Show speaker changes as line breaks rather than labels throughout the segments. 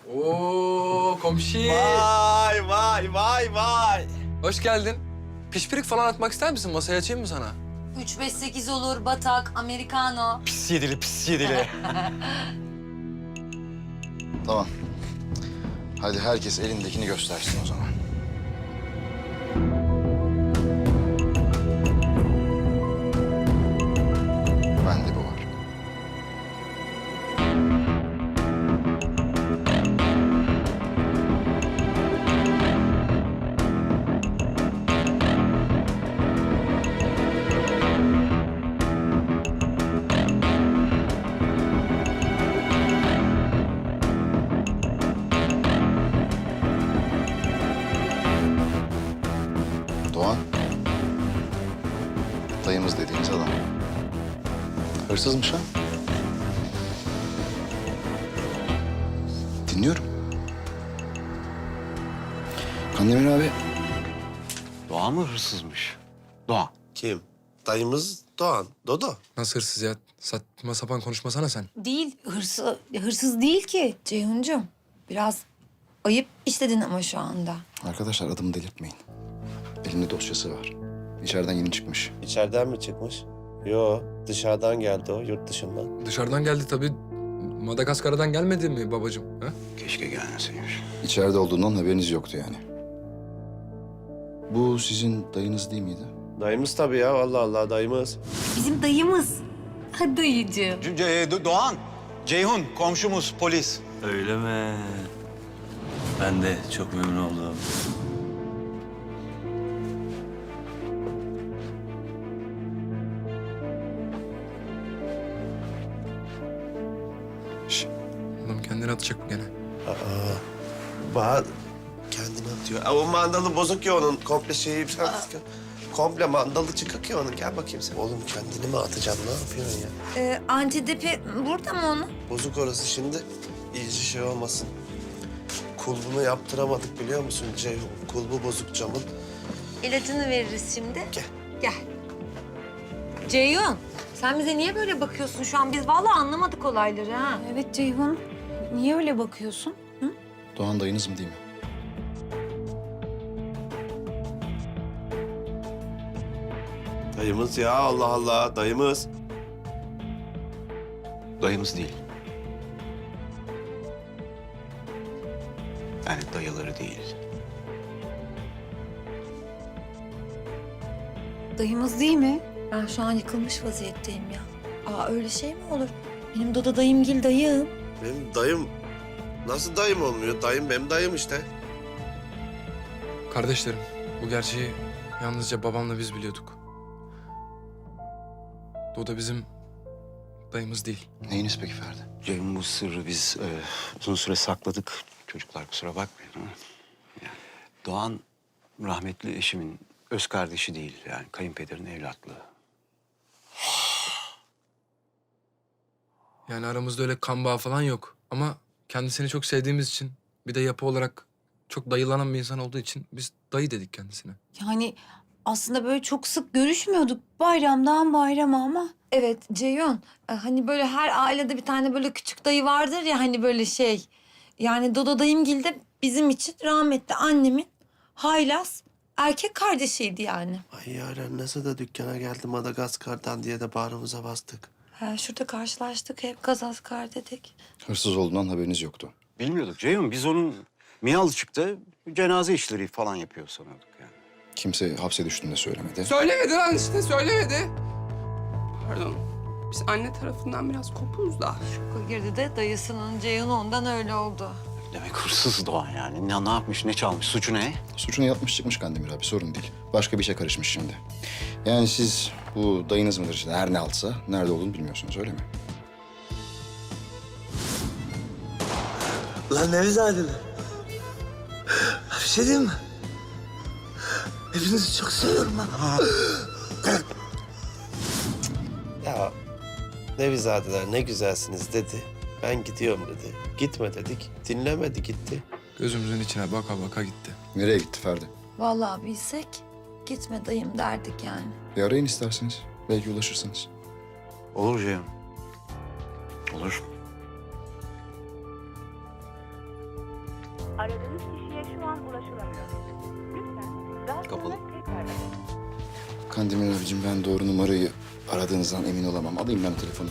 Oo komşu.
Vay vay vay vay.
Hoş geldin. Pişpirik falan atmak ister misin? Masaya açayım mı sana?
3-5-8 olur, batak, americano.
Pis yedili pis yedili.
Tamam. Hadi herkes elindekini göstersin o zaman. Bende bu var. Doğan. Dayımız dediğiniz adam. Hırsızmış ha? Dinliyorum. Kandemir abi.
Doğan mı hırsızmış? Doğan.
Kim? Dayımız Doğan. Dodo.
Nasıl hırsız ya? Saçma sapan konuşmasana sen.
Değil, hırsız değil ki Ceyhuncuğum. Biraz ayıp işledin ama şu anda.
Arkadaşlar adımı delirtmeyin. Elimde dosyası var. İçeriden yeni çıkmış.
İçeriden mi çıkmış? Yo, dışarıdan geldi o, yurt dışından.
Dışarıdan geldi tabii. Madagaskar'dan gelmedi mi babacığım? Ha?
Keşke gelmeseymiş.
İçeride olduğundan haberiniz yoktu yani. Bu sizin dayınız değil miydi?
Dayımız tabii ya, Allah Allah dayımız.
Bizim dayımız. Ha dayıcığım.
Doğan, Ceyhun komşumuz polis.
Öyle mi? Ben de çok memnun oldum.
Şş, oğlum kendini atacak mı gene?
Bahar kendini atıyor. O mandalı bozuk ya onun, komple şeyi... Komple mandalı çıkık ya onun. Gel bakayım sen. Oğlum kendini mi atacaksın? Ne yapıyorsun ya?
Antidepi burada mı onun?
Bozuk orası şimdi. İyice şey olmasın. Kulbunu yaptıramadık biliyor musun Ceyhun? Kulbu bozuk camın.
İlacını veririz şimdi.
Gel.
Gel. Ceyhun, sen bize niye böyle bakıyorsun şu an? Biz vallahi anlamadık olayları ha.
Evet Ceyhun. Niye öyle bakıyorsun? Hı?
Doğan dayınız mı değil mi?
Dayımız ya, Allah Allah dayımız.
Dayımız değil. Yani dayıları değil.
Dayımız değil mi?
Ben şu an yıkılmış vaziyetteyim ya. Aa öyle şey mi olur? Benim Doda dayımgil dayım.
Benim dayım... Nasıl dayım olmuyor? Dayım benim dayım işte.
Kardeşlerim, bu gerçeği yalnızca babamla biz biliyorduk. O da bizim dayımız değil.
Neyiniz peki Ferdi?
Ceyhun bu sırrı biz uzun süre sakladık. Çocuklar kusura bakmayın ama. Yani Doğan rahmetli eşimin öz kardeşi değil. Yani kayınpederin evlatlığı.
Yani aramızda öyle kan bağı falan yok. Ama kendisini çok sevdiğimiz için, bir de yapı olarak çok dayılanan bir insan olduğu için biz dayı dedik kendisine.
Yani aslında böyle çok sık görüşmüyorduk bayramdan bayrama ama.
Evet Ceyhun, hani böyle her ailede bir tane böyle küçük dayı vardır ya hani böyle şey. Yani Dodo dayımgil de bizim için rahmetli annemin haylaz erkek kardeşiydi yani.
Ay yaren nasıl da dükkana geldi Madagaskar'dan diye de bağrımıza bastık.
Ha, şurada karşılaştık hep Gazazkar dedik.
Hırsız olduğundan haberiniz yoktu.
Bilmiyorduk Ceyhun. Biz onun Miyalıçık'ta cenaze işleri falan yapıyor sanıyorduk yani.
Kimse hapse düştüğünde söylemedi.
Söylemedi lan işte, söylemedi. Pardon, biz anne tarafından biraz kopuz da.
Şoka girdi de dayısının Ceyhun ondan öyle oldu.
Demek hırsız Doğan yani. Ne yapmış, ne çalmış, suçu ne?
Suçunu yapmış çıkmış Kandemir abi, sorun değil. Başka bir işe karışmış şimdi. Yani siz bu dayınız mıdır işte, her ne altsa nerede olduğunu bilmiyorsunuz, öyle mi?
Lan Nevizadeler. Bir şey diyeyim mi? Hepinizi çok seviyorum ha.
Ya Nevizadeler ne güzelsiniz dedi. Ben gidiyorum dedi. Gitme dedik. Dinlemedi gitti.
Gözümüzün içine baka baka gitti.
Nereye gitti Ferdi?
Vallahi bilsek gitme dayım derdik yani.
Bir arayın isterseniz. Belki ulaşırsınız.
Olur Ceyhun. Olur.
Aradığınız kişiye şu an ulaşılamıyor. Lütfen daha sonra
Kapalı.
tekrar arayın.
Kandemir abicim ben doğru numarayı aradığınızdan emin olamam. Alayım ben telefonu.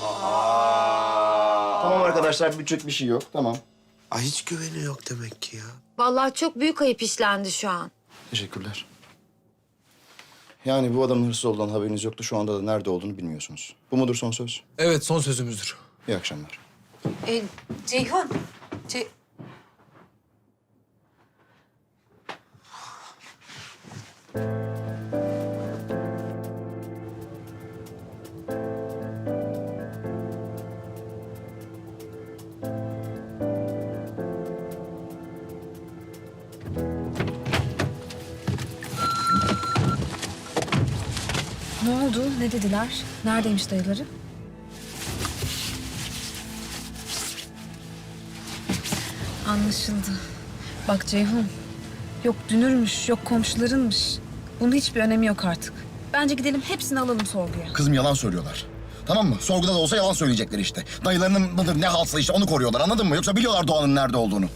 Tamam arkadaşlar bir şey yok. Tamam.
Ay hiç güveni yok demek ki ya.
Vallahi çok büyük ayıp işlendi şu an.
Teşekkürler. Yani bu adamın hırsız olduğundan haberiniz yoktu. Şu anda da nerede olduğunu bilmiyorsunuz. Bu mudur son söz?
Evet, son sözümüzdür.
İyi akşamlar.
Ceyhun.
Ne oldu? Ne dediler? Neredeymiş dayıları? Anlaşıldı. Bak Ceyhun. Yok dünürmüş, yok komşularınmış. Bunun hiçbir önemi yok artık. Bence gidelim hepsini alalım sorguya.
Kızım yalan söylüyorlar. Tamam mı? Sorguda da olsa yalan söyleyecekler işte. Dayılarının mıdır ne halsa işte onu koruyorlar anladın mı? Yoksa biliyorlar Doğan'ın nerede olduğunu.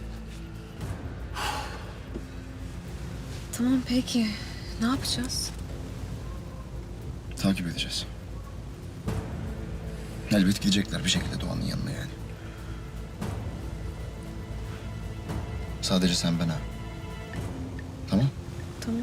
Tamam peki. Ne yapacağız?
Takip edeceğiz. Elbet gidecekler bir şekilde Doğan'ın yanına yani. Sadece sen ben ha. Tamam?
Tamam.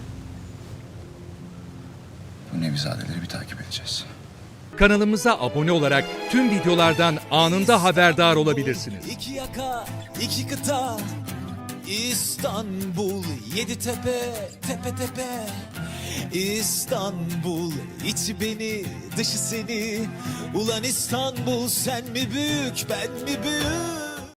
Bu Nevizadeleri bir takip edeceğiz.
Kanalımıza abone olarak tüm videolardan anında haberdar olabilirsiniz.
İki yaka, iki kıta, İstanbul, yedi tepe, tepe tepe. İstanbul, içi beni, dışı seni. Ulan İstanbul, sen mi büyük, ben mi büyük?